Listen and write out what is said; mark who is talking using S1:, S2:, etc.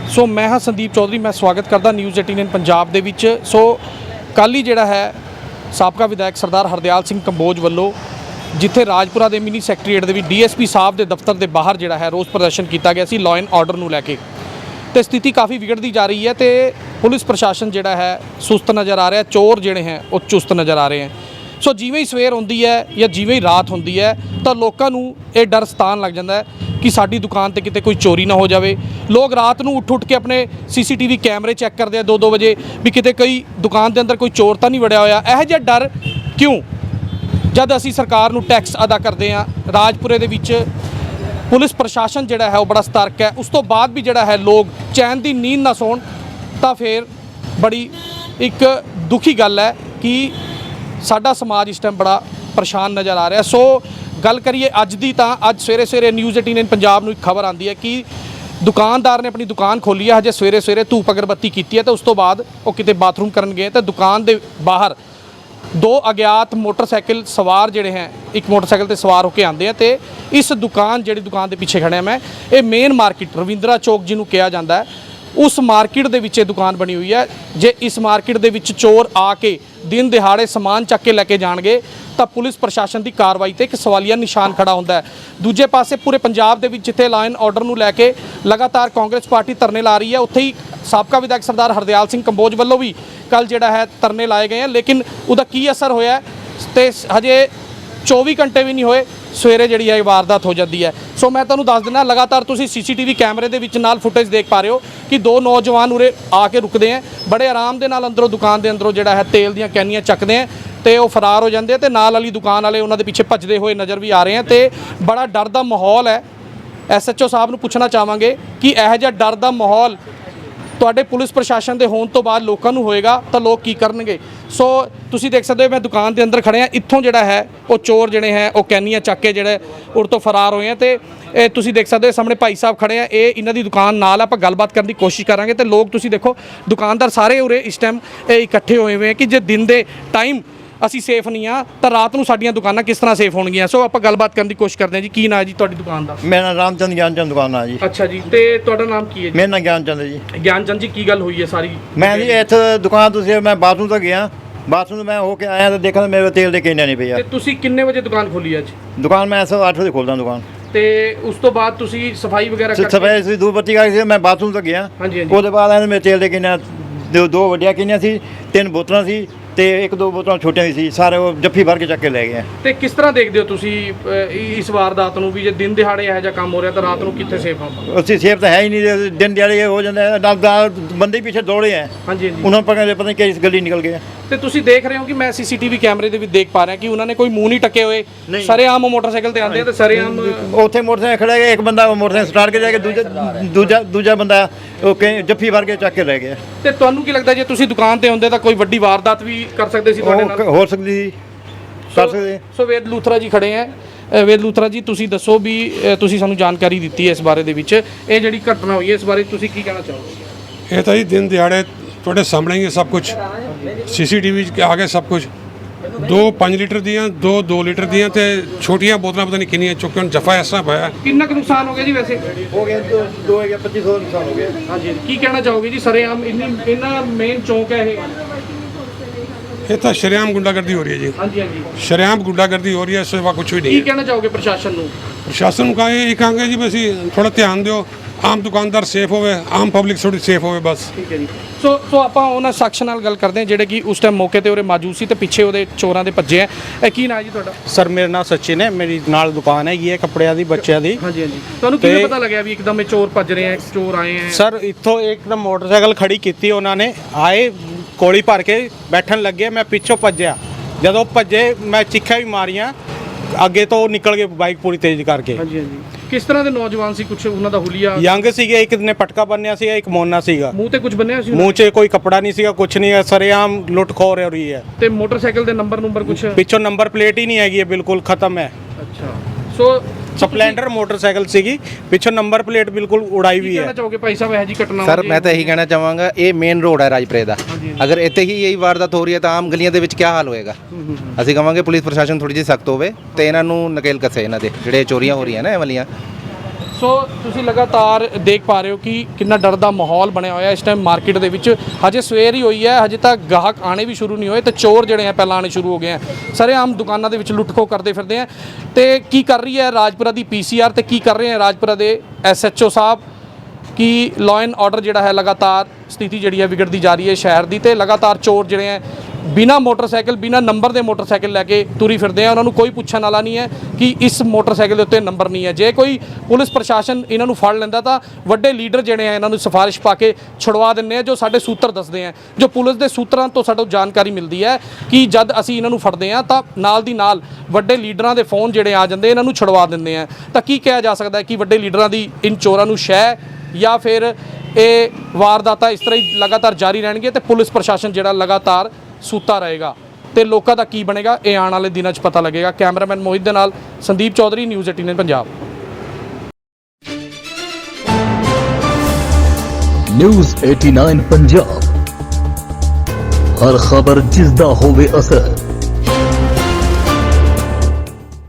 S1: ਸੋ ਮੈਂ ਹਾਂ ਸੰਦੀਪ ਚੌਧਰੀ, ਮੈਂ ਸਵਾਗਤ ਕਰਦਾ ਨਿਊਜ਼ 18 ਪੰਜਾਬ ਦੇ ਵਿੱਚ। ਸੋ ਕੱਲ੍ਹ ਹੀ ਜਿਹੜਾ ਹੈ ਸਾਬਕਾ ਵਿਧਾਇਕ ਸਰਦਾਰ ਹਰਦਿਆਲ ਸਿੰਘ ਕੰਬੋਜ ਵੱਲੋਂ ਜਿੱਥੇ ਰਾਜਪੁਰਾ ਦੇ ਮਿਨੀ ਸੈਕਟਰੀਏਟ ਦੇ ਵਿੱਚ ਡੀਐਸਪੀ ਸਾਹਿਬ ਦੇ ਦਫ਼ਤਰ ਦੇ ਬਾਹਰ ਜਿਹੜਾ ਹੈ ਰੋਸ ਪ੍ਰਦਰਸ਼ਨ ਕੀਤਾ ਗਿਆ ਸੀ ਲਾਅ ਐਂਡ ਆਰਡਰ ਨੂੰ ਲੈ ਕੇ, ਤੇ ਸਥਿਤੀ ਕਾਫੀ ਵਿਗੜਦੀ ਜਾ ਰਹੀ ਹੈ ਤੇ ਪੁਲਿਸ ਪ੍ਰਸ਼ਾਸਨ ਜਿਹੜਾ ਹੈ ਸੁਸਤ ਨਜ਼ਰ ਆ ਰਿਹਾ, ਚੋਰ ਜਿਹੜੇ ਹੈ ਉਹ ਚੁਸਤ ਨਜ਼ਰ ਆ ਰਹੇ ਹੈ। ਸੋ ਜਿਵੇਂ ਹੀ ਸਵੇਰ ਹੁੰਦੀ ਹੈ ਜਾਂ ਜਿਵੇਂ ਹੀ ਰਾਤ ਹੁੰਦੀ ਹੈ ਤਾਂ ਲੋਕਾਂ ਨੂੰ ਇਹ ਡਰ ਸਤਾਉਣ ਲੱਗ ਜਾਂਦਾ ਹੈ ਕਿ ਸਾਡੀ ਦੁਕਾਨ ਤੇ ਕਿਤੇ ਕੋਈ ਚੋਰੀ ਨਾ ਹੋ ਜਾਵੇ। ਲੋਕ ਰਾਤ ਨੂੰ ਉੱਠ ਕੇ ਆਪਣੇ ਸੀਸੀਟੀਵੀ ਕੈਮਰੇ ਚੈੱਕ ਕਰਦੇ ਆ 2-2 ਵਜੇ ਵੀ ਕਿਤੇ ਕੋਈ ਦੁਕਾਨ ਦੇ ਅੰਦਰ ਕੋਈ ਚੋਰ ਤਾਂ ਨਹੀਂ ਵੜਿਆ ਹੋਇਆ। ਇਹੋ ਜਿਹਾ ਡਰ ਕਿਉਂ, ਜਦ ਅਸੀਂ ਸਰਕਾਰ ਨੂੰ ਟੈਕਸ ਅਦਾ ਕਰਦੇ ਹਾਂ। ਰਾਜਪੁਰੇ ਦੇ ਵਿੱਚ ਪੁਲਿਸ ਪ੍ਰਸ਼ਾਸਨ ਜਿਹੜਾ ਹੈ ਉਹ ਬੜਾ ਸਤਰਕ ਹੈ, ਉਸ ਤੋਂ ਬਾਅਦ ਵੀ ਜਿਹੜਾ ਹੈ ਲੋਕ ਚੈਨ ਦੀ ਨੀਂਦ ਨਾ ਸੌਣ, ਤਾਂ ਫਿਰ ਬੜੀ ਇੱਕ ਦੁਖੀ ਗੱਲ ਹੈ ਕਿ ਸਾਡਾ ਸਮਾਜ ਇਸ ਟਾਈਮ ਬੜਾ ਪਰੇਸ਼ਾਨ ਨਜ਼ਰ ਆ ਰਿਹਾ। ਸੋ ਗੱਲ ਕਰੀਏ ਅੱਜ ਦੀ, ਤਾਂ ਅੱਜ ਸਵੇਰੇ ਨਿਊਜ਼ 18 ਪੰਜਾਬ ਨੂੰ ਇੱਕ ਖਬਰ ਆਉਂਦੀ ਹੈ ਕਿ ਦੁਕਾਨਦਾਰ ਨੇ ਆਪਣੀ ਦੁਕਾਨ ਖੋਲ੍ਹੀ ਹੈ, ਹਜੇ ਸਵੇਰੇ ਧੂਪ ਅਗਰਬੱਤੀ ਕੀਤੀ ਹੈ ਤੇ ਉਸ ਤੋਂ ਬਾਅਦ ਉਹ ਕਿਤੇ ਬਾਥਰੂਮ ਕਰਨ ਗਏ ਤਾਂ ਦੁਕਾਨ ਦੇ ਬਾਹਰ 2 ਅਗਿਆਤ ਮੋਟਰਸਾਈਕਲ ਸਵਾਰ ਜਿਹੜੇ ਹੈ ਇੱਕ ਮੋਟਰਸਾਈਕਲ ਤੇ ਸਵਾਰ ਹੋ ਕੇ ਆਉਂਦੇ ਆ ਤੇ ਇਸ ਦੁਕਾਨ ਜਿਹੜੀ ਦੁਕਾਨ ਦੇ ਪਿੱਛੇ ਖੜਿਆ ਮੈਂ, ਇਹ ਮੇਨ ਮਾਰਕੀਟ ਰਵਿੰਦਰਾ ਚੌਕ ਜਿਹਨੂੰ ਕਿਹਾ ਜਾਂਦਾ ਹੈ, ਉਸ ਮਾਰਕੀਟ ਦੇ ਵਿੱਚ ਇਹ ਦੁਕਾਨ ਬਣੀ ਹੋਈ ਹੈ। ਜੇ ਇਸ ਮਾਰਕੀਟ ਦੇ ਵਿੱਚ ਚੋਰ ਆ ਕੇ ਦਿਨ ਦਿਹਾੜੇ ਸਮਾਨ ਚੱਕ ਕੇ ਲੈ ਕੇ ਜਾਣਗੇ ਤਾਂ ਪੁਲਿਸ ਪ੍ਰਸ਼ਾਸਨ ਦੀ ਕਾਰਵਾਈ ਤੇ ਇੱਕ ਸਵਾਲੀਆ ਨਿਸ਼ਾਨ ਖੜਾ ਹੁੰਦਾ ਹੈ। ਦੂਜੇ ਪਾਸੇ ਪੂਰੇ ਪੰਜਾਬ ਦੇ ਵਿੱਚ ਜਿੱਥੇ ਲਾਅ ਐਂਡ ਆਰਡਰ ਨੂੰ ਲੈ ਕੇ ਲਗਾਤਾਰ ਕਾਂਗਰਸ ਪਾਰਟੀ ਧਰਨੇ ਲਾ ਰਹੀ ਹੈ, ਉੱਥੇ ਹੀ ਸਾਬਕਾ ਵਿਧਾਇਕ ਸਰਦਾਰ ਹਰਦਿਆਲ ਸਿੰਘ ਕੰਬੋਜ ਵੱਲੋਂ ਵੀ ਕੱਲ ਜਿਹੜਾ ਹੈ ਧਰਨੇ ਲਾਏ ਗਏ हैं, ਲੇਕਿਨ ਉਹਦਾ ਕੀ ਅਸਰ ਹੋਇਆ ਤੇ ਹਜੇ 24 ਘੰਟੇ ਵੀ ਨਹੀਂ ਹੋਏ ਸਵੇਰੇ ਜਿਹੜੀ ਹੈ ਵਾਰਦਾਤ ਹੋ ਜਾਂਦੀ ਹੈ। ਸੋ ਮੈਂ ਤੁਹਾਨੂੰ ਦੱਸ ਦਿੰਦਾ, ਲਗਾਤਾਰ ਤੁਸੀਂ ਸੀਸੀਟੀਵੀ ਕੈਮਰੇ ਦੇ ਵਿੱਚ ਨਾਲ ਫੁਟੇਜ ਦੇਖ ਪਾ ਰਹੇ ਹੋ ਕਿ 2 ਨੌਜਵਾਨ ਉਰੇ ਆ ਕੇ ਰੁਕਦੇ ਹੈ, ਬੜੇ ਆਰਾਮ ਦੇ ਨਾਲ ਅੰਦਰੋਂ ਦੁਕਾਨ ਦੇ ਅੰਦਰੋਂ ਜਿਹੜਾ ਹੈ ਤੇਲ ਦੀਆਂ ਕੈਨੀਆਂ ਚੱਕਦੇ ਹੈ ਤੇ ਉਹ ਫਰਾਰ ਹੋ ਜਾਂਦੇ ਤੇ ਨਾਲ ਵਾਲੀ ਦੁਕਾਨ ਵਾਲੇ ਉਹਨਾਂ ਦੇ ਪਿੱਛੇ ਭੱਜਦੇ ਹੋਏ ਨਜ਼ਰ ਵੀ ਆ ਰਹੇ ਹੈ ਤੇ ਬੜਾ ਡਰ ਦਾ ਮਾਹੌਲ ਹੈ। ਐਸਐਚਓ ਸਾਹਿਬ ਨੂੰ ਪੁੱਛਣਾ ਚਾਹਾਂਗੇ ਕਿ ਇਹੋ ਜਿਹਾ ਡਰ ਦਾ ਮਾਹੌਲ ਤੁਹਾਡੇ ਪੁਲਿਸ ਪ੍ਰਸ਼ਾਸਨ ਦੇ ਹੋਣ ਤੋਂ ਬਾਅਦ ਲੋਕਾਂ ਨੂੰ ਹੋਏਗਾ ਤਾਂ ਲੋਕ ਕੀ ਕਰਨਗੇ। ਸੋ ਤੁਸੀਂ ਦੇਖ ਸਕਦੇ ਹੋ ਮੈਂ ਦੁਕਾਨ ਦੇ ਅੰਦਰ ਖੜਿਆ, ਇੱਥੋਂ ਜਿਹੜਾ ਹੈ ਉਹ ਚੋਰ ਜਿਹੜੇ ਹੈ ਉਹ ਕੈਨੀਆਂ ਚੱਕ ਕੇ ਜਿਹੜੇ ਉਰ ਤੋਂ ਫਰਾਰ ਹੋਏ ਆ ਤੇ ਇਹ ਤੁਸੀਂ ਦੇਖ ਸਕਦੇ ਹੋ ਸਾਹਮਣੇ ਭਾਈ ਸਾਹਿਬ ਖੜੇ ਆ, ਇਹ ਇਹਨਾਂ ਦੀ ਦੁਕਾਨ ਨਾਲ ਆਪਾਂ ਗੱਲਬਾਤ ਕਰਨ ਦੀ ਕੋਸ਼ਿਸ਼ ਕਰਾਂਗੇ ਤੇ ਲੋਕ ਤੁਸੀਂ ਦੇਖੋ ਦੁਕਾਨਦਾਰ ਸਾਰੇ ਉਰੇ ਇਸ ਟਾਈਮ ਇਕੱਠੇ ਹੋਏ ਹੋਏ ਆ ਕਿ ਜੇ ਦਿਨ ਦੇ ਟਾਈਮ ਅਸੀਂ ਸੇਫ ਨਹੀਂ ਆ ਤਾਂ ਰਾਤ ਨੂੰ ਸਾਡੀਆਂ ਦੁਕਾਨਾਂ ਕਿਸ ਤਰ੍ਹਾਂ ਸੇਫ ਹੋਣਗੀਆਂ। ਸੋ ਆਪਾਂ ਗੱਲਬਾਤ ਕਰਨ ਦੀ ਕੋਸ਼ਿਸ਼ ਕਰਦੇ ਹਾਂ ਜੀ। ਕੀ ਨਾਂ ਜੀ ਤੁਹਾਡੀ ਦੁਕਾਨ ਦਾ?
S2: ਮੇਰਾ ਨਾਮ ਰਾਮਚੰਦ ਗਿਆਨਚੰਦ ਦੁਕਾਨ ਆ ਜੀ।
S1: ਅੱਛਾ ਜੀ, ਤੇ ਤੁਹਾਡਾ ਨਾਮ ਕੀ ਹੈ ਜੀ?
S2: ਮੇਰਾ ਨਾਮ ਗਿਆਨਚੰਦ ਜੀ।
S1: ਗਿਆਨਚੰਦ ਜੀ, ਕੀ ਗੱਲ ਹੋਈ ਹੈ ਸਾਰੀ?
S2: ਮੈਂ ਜੀ ਇੱਥੇ ਦੁਕਾਨ ਤੁਸੀਂ ਮੈਂ ਬਾਥਰੂਮ ਤੋਂ ਗਿਆ, ਬਾਥਰੂਮ ਮੈਂ ਹੋ ਕੇ ਆਇਆ ਤਾਂ ਦੇਖਿਆ ਮੇਰੇ ਤੇਲ ਦੇ ਕੇਨੇ ਨਹੀਂ ਪਏ ਆ।
S1: ਤੇ ਤੁਸੀਂ ਕਿੰਨੇ ਵਜੇ ਦੁਕਾਨ ਖੋਲੀ ਅੱਜ?
S2: ਦੁਕਾਨ ਮੈਂ 8 ਵਜੇ ਖੋਲਦਾ ਦੁਕਾਨ।
S1: ਤੇ ਉਸ ਤੋਂ ਬਾਅਦ ਤੁਸੀਂ ਸਫਾਈ ਵਗੈਰਾ ਕਰਕੇ
S2: ਸਫਾਈ ਸੀ, ਧੂਪ ਬੱਤੀ ਕਰਕੇ ਮੈਂ ਬਾਥਰੂਮ ਤੋਂ ਗਿਆ। ਉਹਦੇ ਬਾਅਦ ਇਹਨੇ ਮੇਰੇ ਤੇਲ ਦੇ ਕੇਨੇ 2 ਵੱਡੀਆਂ ਕੇਨੀਆਂ ਸੀ, 3 ਬੋਤਲਾਂ ਸੀ ਤੇ 1-2 ਬੋਤਲਾਂ ਛੋਟੀਆਂ ਸੀ, ਸਾਰੇ ਉਹ ਜੱਫੀ ਭਰ ਕੇ ਚੱਕ ਕੇ ਲੈ ਗਏ। ਤੇ
S1: ਕਿਸ ਤਰ੍ਹਾਂ ਦੇਖਦੇ ਹੋ ਤੁਸੀਂ ਇਸ ਵਾਰਦਾਤ ਨੂੰ ਵੀ, ਜੇ ਦਿਨ ਦਿਹਾੜੇ ਇਹੋ ਜਿਹਾ ਕੰਮ ਹੋ ਰਿਹਾ ਤਾਂ ਰਾਤ ਨੂੰ ਕਿੱਥੇ ਸੇਫ ਆਪਾਂ?
S2: ਅਸੀਂ ਸੇਫ ਤਾਂ ਹੈ ਹੀ ਨਹੀਂ, ਦਿਨ ਦਿਹਾੜੇ ਹੋ ਜਾਂਦਾ ਨਾਲ ਬੰਦੇ ਪਿੱਛੇ ਦੌੜੇ ਆ।
S1: ਹਾਂਜੀ
S2: ਉਹਨਾਂ ਨੂੰ ਪਤਾ ਨਹੀਂ ਕਿਸ ਗਲੀ ਨਿਕਲ ਗਏ।
S1: ਤੇ ਤੁਸੀਂ ਦੇਖ ਰਹੇ ਹੋ ਕਿ ਮੈਂ ਸੀਸੀਟੀਵੀ ਕੈਮਰੇ ਦੇ ਵਿੱਚ ਦੇਖ ਪਾ ਰਿਹਾ ਕਿ ਉਹਨਾਂ ਨੇ ਕੋਈ ਮੂੰਹ ਨਹੀਂ ਟੱਕੇ ਹੋਏ, ਸਰੇਆਮ ਮੋਟਰਸਾਈਕਲ ਤੇ ਆਉਂਦੇ ਤੇ ਸਰੇਆਮ
S2: ਉੱਥੇ ਮੋਟਰਸਾਈਕਲ ਖੜਾ ਗਿਆ, ਇੱਕ ਬੰਦਾ ਮੋਟਰਸਾਈਕਲ ਸਟਾਰਟ ਕੇ ਜਾ ਕੇ ਦੂਜਾ ਬੰਦਾ ਉਹ ਜੱਫੀ ਭਰ ਕੇ ਚੱਕ ਕੇ ਲੈ ਗਿਆ।
S1: ਤੇ ਤੁਹਾਨੂੰ ਕੀ ਲੱਗਦਾ ਜੇ ਤੁਸੀਂ ਦੁਕਾਨ ਤੇ ਹੁੰਦੇ ਤਾਂ ਕੋਈ ਵੱਡੀ ਵਾਰਦਾਤ ਵੀ ਕਰ ਸਕਦੇ ਸੀ ਤੁਹਾਡੇ ਨਾਲ?
S2: ਹੋ ਸਕਦੀ ਸੀ, ਕਰ ਸਕਦੇ।
S1: ਸੋ ਵੇਦ ਲੂਥਰਾ ਜੀ ਖੜੇ ਹੈ। ਵੇਦ ਲੂਥਰਾ ਜੀ, ਤੁਸੀਂ ਦੱਸੋ ਵੀ ਤੁਸੀਂ ਸਾਨੂੰ ਜਾਣਕਾਰੀ ਦਿੱਤੀ ਹੈ ਇਸ ਬਾਰੇ ਦੇ ਵਿੱਚ, ਇਹ ਜਿਹੜੀ ਘਟਨਾ ਹੋਈ ਹੈ ਇਸ ਬਾਰੇ ਤੁਸੀਂ ਕੀ ਕਹਿਣਾ ਚਾਹੋਗੇ?
S3: ਇਹ ਤਾਂ ਜੀ ਦਿਨ ਦਿਹਾੜੇ ਤੁਹਾਡੇ ਸਾਹਮਣੇ ਹੀ ਹੈ ਸਭ ਕੁਝ, ਸੀਸੀਟੀਵੀ 'ਚ ਆ ਗਿਆ ਸਭ ਕੁਝ। 2 5 ਲੀਟਰ ਦੀਆਂ, 2 ਲੀਟਰ ਦੀਆਂ ਤੇ ਛੋਟੀਆਂ ਬੋਤਲਾਂ ਪਤਾ ਨਹੀਂ ਕਿੰਨੀਆਂ ਚੁੱਕ ਕੇ ਜਫਾ ਇਸ ਤਰ੍ਹਾਂ ਪਾਇਆ।
S1: ਕਿੰਨਾ ਕੁ ਨੁਕਸਾਨ ਹੋ ਗਿਆ ਜੀ ਵੈਸੇ?
S2: ਹੋ ਗਿਆ 2500 ਨੁਕਸਾਨ ਹੋ ਗਿਆ।
S1: ਹਾਂਜੀ, ਕੀ ਕਹਿਣਾ ਚਾਹੋਗੇ ਜੀ? ਸਰੇਆਮ ਇੰਨਾ ਮੇਨ ਚੌਂਕ ਹੈ
S3: ਇਹ ਤਾਂ ਸ਼ਰੇਆਮ ਗੁੰਡਾਗਰਦੀ ਹੋ ਰਹੀ ਹੈ ਜੀ।
S1: ਹਾਂਜੀ ਹਾਂਜੀ,
S3: ਸ਼ਰੇਆਮ ਗੁੰਡਾਗਰਦੀ ਹੋ ਰਹੀ ਹੈ, ਇਸ ਤੋਂ ਕੁਝ ਵੀ ਨਹੀਂ।
S1: ਕੀ ਕਹਿਣਾ ਚਾਹੋਗੇ ਪ੍ਰਸ਼ਾਸਨ ਨੂੰ?
S3: ਪ੍ਰਸ਼ਾਸਨ ਨੂੰ ਕਹਾਂਗੇ ਜੀ ਅਸੀਂ ਥੋੜਾ ਧਿਆਨ ਦਿਓ, ਆਮ ਦੁਕਾਨਦਾਰ ਸੇਫ ਹੋਵੇ, ਆਮ ਪਬਲਿਕ ਥੋੜੀ ਸੇਫ ਹੋਵੇ ਬਸ।
S1: ਠੀਕ ਹੈ ਜੀ। ਸੋ ਆਪਾਂ ਉਹਨਾਂ ਸ਼ਖਸ ਨਾਲ ਗੱਲ ਕਰਦੇ ਹਾਂ ਜਿਹੜੇ ਕਿ ਉਸ ਟਾਈਮ ਮੌਕੇ ਤੇ ਉਹਦੇ ਮੌਜੂਦ ਸੀ ਤੇ ਪਿੱਛੇ ਉਹਦੇ ਚੋਰਾਂ ਦੇ ਭੱਜੇ ਆ। ਇਹ ਕੀ ਨਾਂ ਜੀ ਤੁਹਾਡਾ?
S4: ਸਰ ਮੇਰਾ ਨਾਮ ਸਚਿਨ ਹੈ, ਮੇਰੀ ਨਾਲ ਦੁਕਾਨ ਹੈਗੀ ਹੈ ਕੱਪੜਿਆਂ ਦੀ, ਬੱਚਿਆਂ ਦੀ।
S1: ਹਾਂਜੀ ਹਾਂਜੀ, ਤੁਹਾਨੂੰ ਕਿਵੇਂ ਪਤਾ ਲੱਗਿਆ ਵੀ ਇੱਕਦਮ ਇਹ ਚੋਰ ਭੱਜ ਰਹੇ ਆ, ਚੋਰ ਆਏ ਆ?
S4: ਸਰ ਇੱਥੋਂ ਇੱਕਦਮ ਮੋਟਰਸਾਈਕਲ ਖੜੀ ਕੀਤੀ ਉਹਨਾਂ ਨੇ, ਆਏ ਕੋਲੀ ਭਰ ਕੇ ਬੈਠਣ ਲੱਗੇ, ਮੈਂ ਪਿੱਛੋਂ ਭੱਜਿਆ, ਜਦੋਂ ਭੱਜੇ ਮੈਂ ਚੀਖਾਂ ਵੀ ਮਾਰੀਆਂ, ਅੱਗੇ ਤੋਂ ਨਿਕਲ ਗਏ ਬਾਈਕ ਪੂਰੀ ਤੇਜ਼ ਕਰਕੇ।
S1: ਹਾਂਜੀ ਹਾਂਜੀ, ਕਿਸ ਤਰ੍ਹਾਂ ਦੇ ਨੌਜਵਾਨ ਸੀ? ਕੁਛ ਉਹਨਾਂ ਦਾ ਹੁਲੀਆ?
S4: ਯੰਗ ਸੀਗੇ, ਇੱਕ ਨੇ ਪਟਕਾ ਬੰਨਿਆ ਸੀਗਾ, ਇੱਕ ਮੋਨਾ ਸੀਗਾ।
S1: ਮੂੰਹ ਤੇ ਕੁਝ ਬੰਨਿਆ ਸੀ?
S4: ਮੂੰਹ 'ਚ ਕੋਈ ਕੱਪੜਾ ਨਹੀਂ ਸੀਗਾ, ਕੁਝ ਨਹੀਂ ਹੈ, ਸਰੇਆਮ ਲੁੱਟ ਖੋਹ ਹੋ ਰਹੀ ਹੈ।
S1: ਤੇ ਮੋਟਰਸਾਈਕਲ ਦੇ ਨੰਬਰ ਕੁਝ
S4: ਪਿੱਛੋਂ ਨੰਬਰ ਪਲੇਟ ਹੀ ਨਹੀਂ ਹੈਗੀ ਹੈ, ਬਿਲਕੁਲ ਖਤਮ ਹੈ।
S1: ਅੱਛਾ, ਸੋ
S4: ਸਪਲੈਂਡਰ ਮੋਟਰਸਾਈਕਲ ਸੀਗੀ, ਪਿੱਛੋਂ ਨੰਬਰ ਪਲੇਟ ਬਿਲकुल ਉਡਾਈ ਵੀ ਹੈ।
S1: ਕਹਿਣਾ ਚਾਹੋਗੇ ਭਾਈ ਸਾਹਿਬ ਇਹ ਜੀ ਘਟਨਾ?
S5: ਸਰ ਮੈਂ ਤਾਂ ਇਹੀ ਕਹਿਣਾ ਚਾਹਾਂਗਾ, ਇਹ ਮੇਨ ਰੋਡ ਹੈ ਰਾਜਪੁਰੇ ਦਾ, ਅਗਰ ਇੱਥੇ ਹੀ ਇਹੀ ਵਾਰਦਾਤ ਹੋ ਰਹੀ ਹੈ ਤਾਂ ਆਮ ਗਲੀਆਂ ਦੇ ਵਿੱਚ ਕੀ ਹਾਲ ਹੋਏਗਾ। ਅਸੀਂ ਕਹਾਂਗੇ ਪੁਲਿਸ ਪ੍ਰਸ਼ਾਸਨ ਥੋੜੀ ਜਿਹੀ ਸਖਤ ਹੋਵੇ ਤੇ ਇਹਨਾਂ ਨੂੰ ਨਕੇਲ ਕੱਸੇ, ਇਹਨਾਂ ਦੇ ਜਿਹੜੇ ਚੋਰੀਆਂ ਹੋ ਰਹੀਆਂ ਨਾ ਇਹ ਵਾਲੀਆਂ।
S1: ਸੋ ਤੁਸੀਂ ਲਗਾਤਾਰ ਦੇਖ ਪਾ ਰਹੇ ਹੋ ਕਿ ਕਿੰਨਾ ਡਰ ਦਾ ਮਾਹੌਲ ਬਣਿਆ ਹੋਇਆ ਇਸ ਟਾਈਮ ਮਾਰਕੀਟ ਦੇ ਵਿੱਚ। ਹਜੇ ਸਵੇਰ ਹੀ ਹੋਈ ਹੈ, ਹਜੇ ਤੱਕ ਗਾਹਕ ਆਣੇ ਵੀ ਸ਼ੁਰੂ ਨਹੀਂ ਹੋਏ ਤੇ ਚੋਰ ਜਿਹੜੇ ਆ ਪਹਿਲਾਂ ਆਣੇ ਸ਼ੁਰੂ ਹੋ ਗਏ ਆ। ਸਰੇਆਮ ਦੁਕਾਨਾਂ ਦੇ ਵਿੱਚ ਲੁੱਟ-ਖੋਹ ਕਰਦੇ ਫਿਰਦੇ ਆ। ਤੇ ਕੀ ਕਰ ਰਹੀ ਹੈ ਰਾਜਪੁਰਾ ਦੀ ਪੀਸੀਆਰ ਤੇ ਕੀ ਕਰ ਰਹੇ ਆ ਰਾਜਪੁਰਾ ਦੇ ਐਸਐਚਓ ਸਾਹਿਬ ਕਿ ਲਾਅ ਐਂਡ ਆਰਡਰ ਜਿਹੜਾ ਹੈ ਲਗਾਤਾਰ ਸਥਿਤੀ ਜਿਹੜੀ ਹੈ ਵਿਗੜਦੀ ਜਾ ਰਹੀ ਹੈ ਸ਼ਹਿਰ ਦੀ, ਤੇ ਲਗਾਤਾਰ ਚੋਰ ਜਿਹੜੇ ਹੈ ਬਿਨਾ ਮੋਟਰਸਾਈਕਲ ਬਿਨਾ ਨੰਬਰ ਦੇ ਮੋਟਰਸਾਈਕਲ ਲੈ ਕੇ ਤੁਰੀ ਫਿਰਦੇ ਆ। ਉਹਨਾਂ ਨੂੰ ਕੋਈ ਪੁੱਛਣ ਵਾਲਾ ਨਹੀਂ ਹੈ ਕਿ ਇਸ ਮੋਟਰਸਾਈਕਲ ਦੇ ਉੱਤੇ ਨੰਬਰ ਨਹੀਂ ਹੈ। ਜੇ ਕੋਈ ਪੁਲਿਸ ਪ੍ਰਸ਼ਾਸਨ ਇਹਨਾਂ ਨੂੰ ਫੜ ਲੈਂਦਾ ਤਾਂ ਵੱਡੇ ਲੀਡਰ ਜਿਹੜੇ ਆ ਇਹਨਾਂ ਨੂੰ ਸਿਫਾਰਿਸ਼ ਪਾ ਕੇ ਛੁਡਵਾ ਦਿੰਦੇ ਆ, ਜੋ ਸਾਡੇ ਸੂਤਰ ਦੱਸਦੇ ਆ। ਜੋ ਪੁਲਿਸ ਦੇ ਸੂਤਰਾਂ ਤੋਂ ਸਾਨੂੰ ਜਾਣਕਾਰੀ ਮਿਲਦੀ ਹੈ ਕਿ ਜਦ ਅਸੀਂ ਇਹਨਾਂ ਨੂੰ ਫੜਦੇ ਆ ਤਾਂ ਨਾਲ ਦੀ ਨਾਲ ਵੱਡੇ ਲੀਡਰਾਂ ਦੇ ਫੋਨ ਜਿਹੜੇ ਆ ਜਾਂਦੇ ਇਹਨਾਂ ਨੂੰ ਛੁਡਵਾ ਦਿੰਦੇ ਆ। ਤਾਂ ਕੀ ਕਿਹਾ ਜਾ ਸਕਦਾ ਹੈ ਕਿ ਵੱਡੇ ਲੀਡਰਾਂ ਦੀ ਇਨ ਚੋਰਾਂ ਨੂੰ ਸ਼ਹਿ ਜਾਂ ਫਿਰ ਇਹ ਵਾਰਦਾਤਾਂ ਇਸ ਤਰ੍ਹਾਂ ਹੀ ਲਗਾਤਾਰ ਜਾਰੀ ਰਹਿਣਗੇ ਤੇ ਪੁਲਿਸ ਪ੍ਰਸ਼ਾਸਨ ਜਿਹੜਾ ਲਗਾਤਾਰ ਸੁੱਤਾ ਰਹੇਗਾ ਤੇ ਲੋਕਾਂ ਦਾ ਕੀ ਬਣੇਗਾ, ਇਹ ਆਉਣ ਵਾਲੇ ਦਿਨਾਂ 'ਚ ਪਤਾ ਲੱਗੇਗਾ। ਕੈਮਰਾਮੈਨ ਮੋਹਿਤ ਦੇ ਨਾਲ ਸੰਦੀਪ ਚੌਧਰੀ, ਨਿਊਜ਼ 18 ਪੰਜਾਬ।
S6: ਨਿਊਜ਼ 89 ਪੰਜਾਬ, ਹਰ ਖਬਰ ਜਿਸ ਦਾ ਹੋਵੇ ਅਸਰ।